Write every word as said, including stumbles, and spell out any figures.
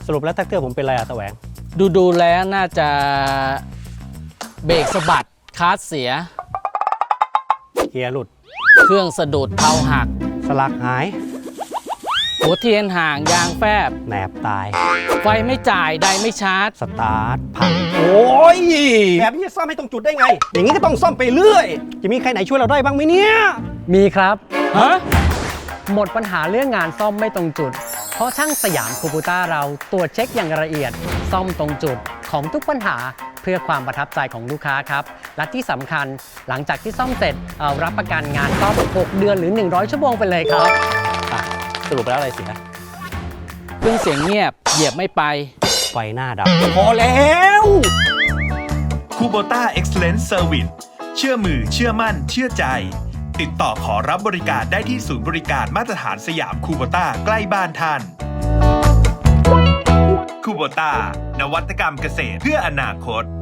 สรุปแล้วแท็กเตอร์ผมเป็นอะไรอะแสวงดูดูแล้วน่าจะเบรกสะบัดคลัตช์เสียเกียร์หลุดเครื่องสะดุดเผาหักสลักหายหัวเทียนห่างยางแฟบแหนบตายไฟไม่จ่ายไดไม่ชาร์จสตาร์ทพังโอ้ยแบบนี้จะซ่อมให้ตรงจุดได้ไงอย่างนี้ก็ต้องซ่อมไปเรื่อยจะมีใครไหนช่วยเราได้บ้างไหมเนี่ยมีครับฮะหมดปัญหาเรื่องงานซ่อมไม่ตรงจุดเพราะช่างสยามคูบูต้าเราตรวจเช็คอย่างละเอียดซ่อมตรงจุดของทุกปัญหาเพื่อความประทับใจของลูกค้าครับและที่สำคัญหลังจากที่ซ่อมเสร็จเอารับประกันงานซ่อมหกเดือนหรือหนึ่งร้อยชั่วโมงไปเลยครับสรุปแล้วอะไรเสียเครื่องเสียงเงียบเหยียบไม่ไปไฟหน้าดับพอแล้วคูโบต้า Excellence Service เชื่อมือเชื่อมั่นเชื่อใจติดต่อขอรับบริการได้ที่ศูนย์บริการมาตรฐานสยามคูโบต้าใกล้บ้านท่านคูโบต้านวัตกรรมเกษตรเพื่ออนาคต